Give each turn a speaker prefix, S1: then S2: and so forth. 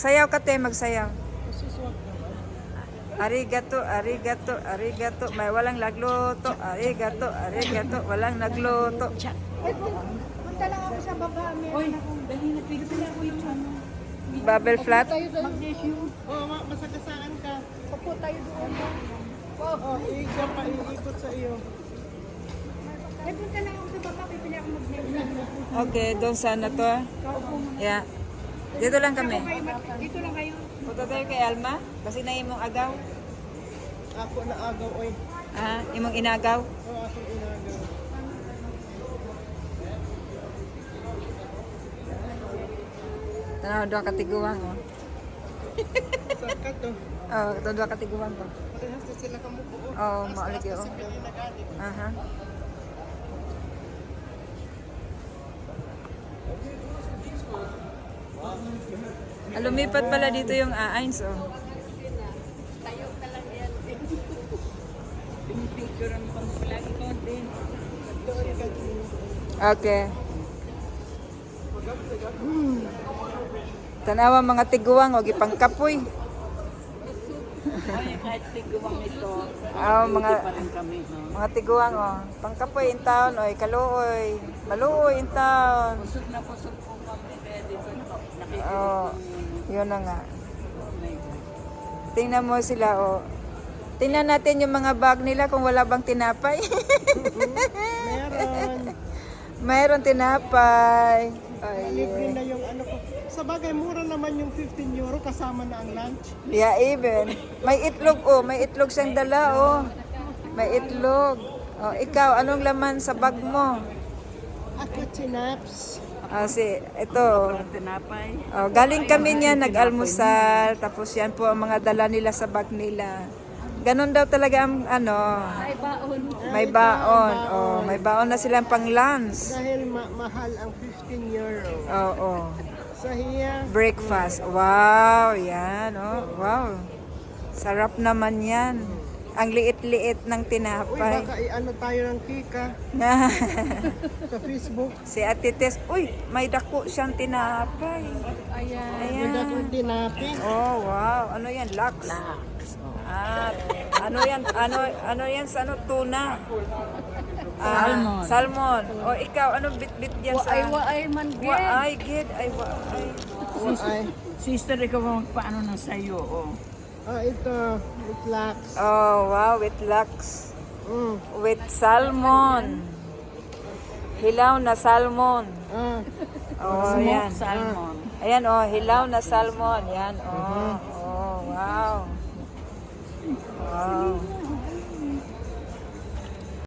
S1: Sayaw ka te, magsayaw. Arigato, arigato, arigato. May walang nagluto. Arigato, arigato. Walang nagluto.
S2: Punta lang ako sa baba. Meron akong dali na pigil ako yung ano.
S1: Bubble flat.
S3: Oo, masagasaan ka.
S2: Upo tayo doon.
S3: Oo, iikot sa iyo.
S2: Ay, punta lang ako sa baba. Pipili ako mag-vlog.
S1: Okay, doon sana to. Yeah. Dito lang kami.
S2: Dito lang kayo.
S1: Punta tayo kay Alma. Kasi na imong agaw.
S3: Ako na agaw, oy.
S1: Ah, imong inagaw.
S3: Oo, akong inagaw.
S1: Tanaw doon katiguan ko.
S3: Sarkat to.
S1: Oh, doon katiguan ko.
S3: Parehas na sila kamubuo.
S1: Oh, maulig yun.
S3: Kasi pininagali.
S1: Aha. Lumipat pala dito yung aayns, oh.
S2: Tayo ka lang yan. Pinipicturean ko lagi ko din.
S1: Okay. Tanawa mga tiguang, o gipangkapoy.
S2: Ay, kahit tiguang ito.
S1: Ah, mga
S2: Pa rin kami, no?
S1: mga tiguang, oh. Pangkapoy in town, oy, kaluoy. Maluoy in town.
S2: Pusog na pusog po kami. Kaya dito nakikita
S1: Oh, yun na nga.
S2: my God.
S1: Tingnan mo sila, oh. Tingnan natin yung mga bag nila kung wala bang tinapay.
S3: Meron.
S1: Mayroon tinapay. Ay,
S3: Libre na yung ano ko. Sa bagay, mura naman yung 15 euro kasama na ang lunch.
S1: yeah, even. May itlog, oh. May itlog siyang dala, oh. May itlog. Oh, ikaw, anong laman sa bag mo?
S3: Ako, chinaps.
S1: Ah, ito.
S2: Tinapay.
S1: Oh, galing kami niya, nag-almusal. Tapos yan po ang mga dala nila sa bag nila. Ganon daw talaga ang ano.
S2: Ay, baon.
S1: May baon. Oh, may baon na silang pang lunch.
S3: Dahil mahal ang 15 euro.
S1: Oo. Oh,
S3: Sa hiya,
S1: breakfast. Wow, yan. Oh, wow. Sarap naman yan. Ang liit-liit ng
S3: uy,
S1: tinapay.
S3: baka i-ano tayo ng kika sa Facebook.
S1: Si Ate Tess, uy, may dako siyang tinapay.
S2: Ayan.
S1: Ayan.
S3: Maganda kong tinapi.
S1: Oh, wow. Ano yan? Lux. Ah, ano yan sa ano? Tuna. Ah,
S2: Salmon.
S1: Salmon. O ikaw, ano bit-bit yan sa...
S2: Waay man,
S1: Waay, gid. Ay, waay.
S3: Ay,
S2: Sister, ikaw ba magpaano ng sayo, oh.
S3: ito, relax.
S1: Oh, wow, with lux. With salmon. Hilaw na salmon. Oh, yan.
S2: Salmon.
S1: Ayan, oh, hilaw na salmon. Yan, oh. Oh, wow.